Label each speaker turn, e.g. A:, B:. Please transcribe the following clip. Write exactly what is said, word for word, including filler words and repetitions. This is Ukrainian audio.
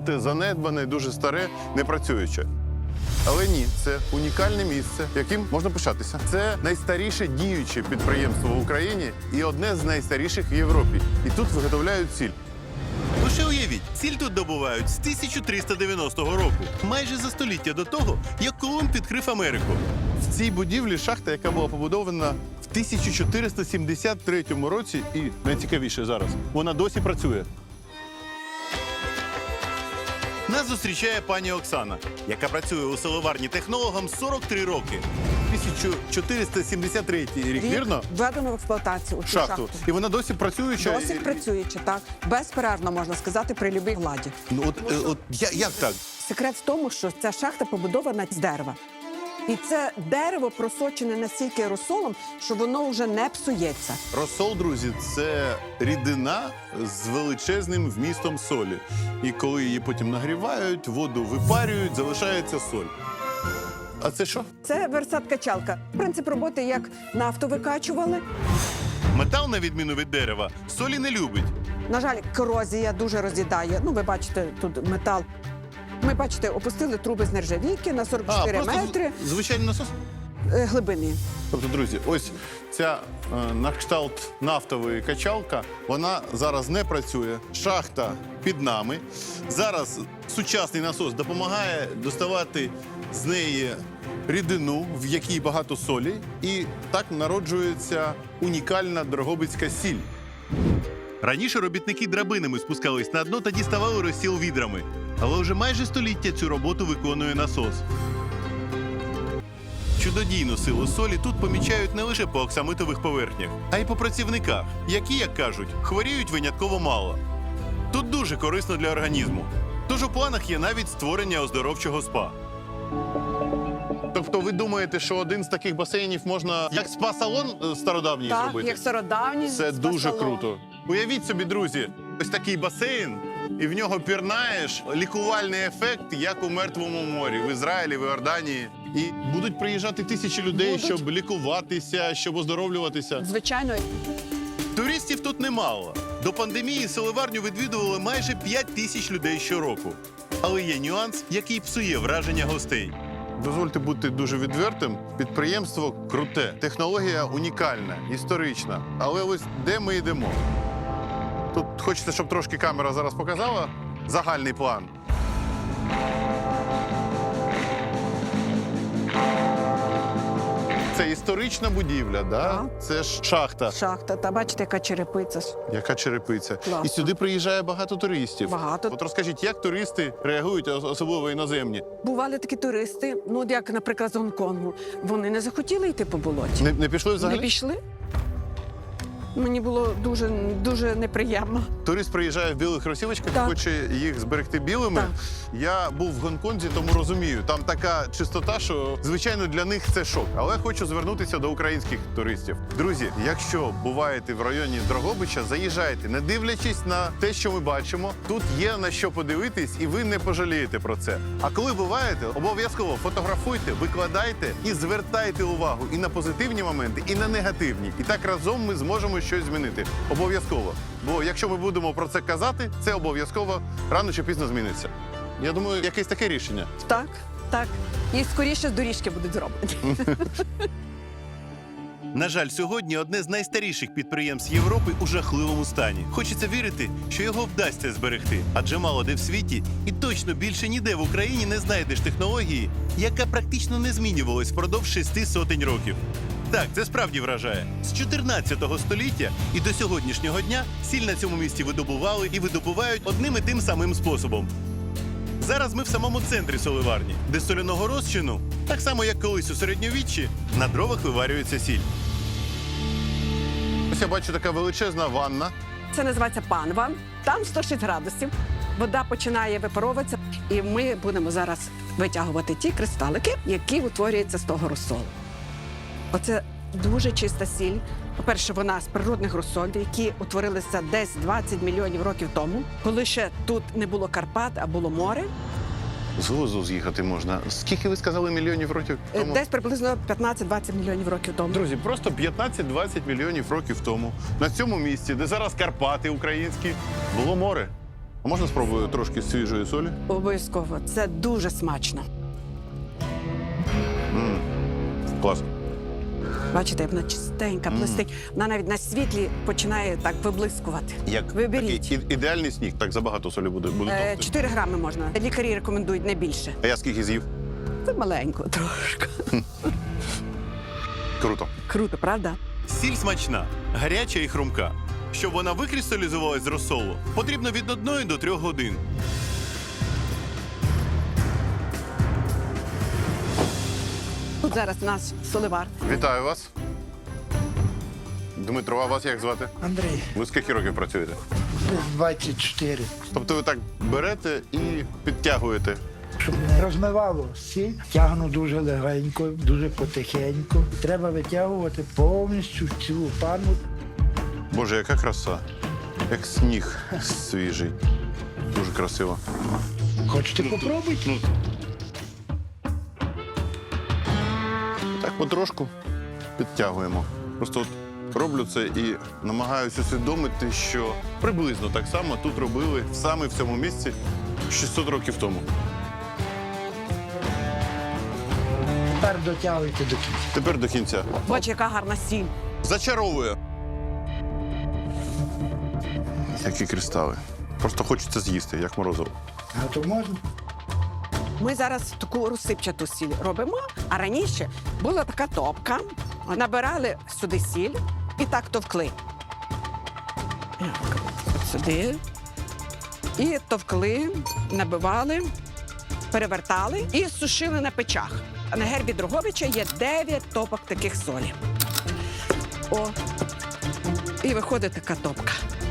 A: забите, занедбане, дуже старе, непрацююче. Але ні, це унікальне місце, яким можна пишатися. Це найстаріше діюче підприємство в Україні і одне з найстаріших в Європі. І тут виготовляють сіль.
B: Лише уявіть, сіль тут добувають з тисяча триста дев'яностого року, майже за століття до того, як Колумб відкрив Америку.
A: В цій будівлі шахта, яка була побудована в тисяча чотириста сімдесят третьому році, і найцікавіше зараз, вона досі працює.
B: Нас зустрічає пані Оксана, яка працює у селоварні технологом сорок три роки.
A: тисяча чотириста сімдесят третій рік, вірно?
C: Введено в експлуатацію у цю
A: Шахту.
C: шахту.
A: І вона досі працююча?
C: Досі
A: І-
C: працюючи, так. Безперервно, можна сказати, при любій владі.
A: Ну, от, е, от я- як так?
C: Секрет в тому, що ця шахта побудована з дерева. І це дерево просочене настільки розсолом, що воно вже не псується.
A: Розсол, друзі, це рідина з величезним вмістом солі. І коли її потім нагрівають, воду випарюють, залишається соль. А це що?
C: Це версат-качалка. Принцип роботи як нафту викачували.
B: Метал, на відміну від дерева, солі не любить.
C: На жаль, корозія дуже роз'їдає. Ну, ви бачите, тут метал. Ми, бачите, опустили труби з нержавійки на сорок чотири метри
A: з- звичайний насос?
C: е, глибини.
A: Тобто, друзі, ось ця е, на кшталт нафтової качалка, вона зараз не працює. Шахта під нами. Зараз сучасний насос допомагає доставати з неї рідину, в якій багато солі. І так народжується унікальна дрогобицька сіль.
B: Раніше робітники драбинами спускались на дно та діставали розсіл відрами. Але вже майже століття цю роботу виконує насос. Чудодійну силу солі тут помічають не лише по оксамитових поверхнях, а й по працівниках, які, як кажуть, хворіють винятково мало. Тут дуже корисно для організму. Тож у планах є навіть створення оздоровчого спа.
A: Тобто ви думаєте, що один з таких басейнів можна як спа-салон е, стародавній
C: Так,
A: зробити?
C: як стародавні.
A: Це дуже
C: спа-салон.
A: круто. Уявіть собі, друзі, ось такий басейн, і в нього пірнаєш, лікувальний ефект, як у Мертвому морі, в Ізраїлі, в Іорданії. І будуть приїжджати тисячі людей,
C: Будуть.
A: щоб лікуватися, щоб оздоровлюватися.
C: Звичайно.
B: Туристів тут немало. До пандемії селеварню відвідували майже п'ять тисяч людей щороку. Але є нюанс, який псує враження гостей.
A: Дозвольте бути дуже відвертим. Підприємство круте, технологія унікальна, історична. Але ось де ми йдемо? Тут хочеться, щоб трошки камера зараз показала загальний план. Це історична будівля, да?
C: Так.
A: Це ж шахта.
C: Шахта. Та бачите, яка черепиця.
A: Яка черепиця.
C: Класно.
A: І сюди приїжджає багато туристів.
C: Багато.
A: От розкажіть, як туристи реагують, ос- особливо іноземні?
C: Бували такі туристи, ну, от як, наприклад, з Гонконгу. Вони не захотіли йти по болоті.
A: Не, не пішли взагалі?
C: Не пішли. Мені було дуже, дуже неприємно.
A: Турист приїжджає в білих кросівочках,
C: Так.
A: хоче їх зберегти білими.
C: Так.
A: Я був в Гонконзі, тому розумію. Там така чистота, що, звичайно, для них це шок. Але хочу звернутися до українських туристів. Друзі, якщо буваєте в районі Дрогобича, заїжджайте, не дивлячись на те, що ми бачимо. Тут є на що подивитись, і ви не пожалієте про це. А коли буваєте, обов'язково фотографуйте, викладайте і звертайте увагу і на позитивні моменти, і на негативні. І так разом ми зможемо щось змінити. Обов'язково. Бо якщо ми будемо про це казати, це обов'язково рано чи пізно зміниться. Я думаю, якесь таке рішення.
C: Так, так. І скоріше доріжки будуть зроблені.
B: На жаль, сьогодні одне з найстаріших підприємств Європи у жахливому стані. Хочеться вірити, що його вдасться зберегти. Адже мало де в світі і точно більше ніде в Україні не знайдеш технології, яка практично не змінювалась впродовж шести сотень років. Так, це справді вражає. З чотирнадцятого століття і до сьогоднішнього дня сіль на цьому місці видобували і видобувають одним і тим самим способом. Зараз ми в самому центрі соливарні, де з соляного розчину, так само як колись у середньовіччі, на дровах виварюється сіль.
A: Ось я бачу така величезна ванна.
C: Це називається панва. Там сто шість градусів. Вода починає випаровуватися, і ми будемо зараз витягувати ті кристалики, які утворюються з того розсолу. Оце дуже чиста сіль. По-перше, вона з природних розсолів, які утворилися десь двадцять мільйонів років тому, коли ще тут не було Карпат, а було море.
A: З глузду з'їхати можна. Скільки ви сказали мільйонів років
C: Е,
A: тому?
C: Десь приблизно п'ятнадцять-двадцять мільйонів років тому.
A: Друзі, просто п'ятнадцять-двадцять мільйонів років тому на цьому місці, де зараз Карпати українські, було море. А можна спробую трошки свіжої солі?
C: Обов'язково. Це дуже смачно.
A: Клас.
C: Бачите, вона чистенька, блистить. Вона навіть на світлі починає так виблискувати.
A: Як
C: Виберіть.
A: такий і- ідеальний сніг, так забагато солі буде. буде
C: Е,
A: товстий.
C: чотири грами можна. Лікарі рекомендують не більше.
A: А я скільки з'їв?
C: Це маленько трошки.
A: Круто.
C: Круто, правда?
B: Сіль смачна, гаряча і хрумка. Щоб вона викристалізувалась з розсолу, потрібно від одної до трьох годин.
C: Тут зараз наш соливар.
A: Вітаю вас. Дмитро, а вас як звати?
D: Андрій,
A: Ви скільки років працюєте?
D: двадцять чотири.
A: Тобто ви так берете і підтягуєте.
D: Щоб не розмивало сіль, тягну дуже легенько, дуже потихеньку. Треба витягувати повністю цілу пану.
A: Боже, яка краса. Як сніг свіжий. Дуже красиво.
D: Хочете попробуйте?
A: Так потрошку підтягуємо. Просто от роблю це і намагаюся усвідомити, що приблизно так само тут робили саме в цьому місці шістсот років тому.
D: Тепер дотягуйте до кінця.
A: Тепер до кінця.
C: Бач, яка гарна сіль.
A: Зачаровує. Які кристали. Просто хочеться з'їсти, як морозиво.
D: А то можна?
C: Ми зараз таку розсипчату сіль робимо, а раніше була така топка. Набирали сюди сіль і так товкли. Як? От сюди. І товкли, набивали, перевертали і сушили на печах. А на гербі Дрогобича є дев'ять топок таких солі. О, і виходить така топка.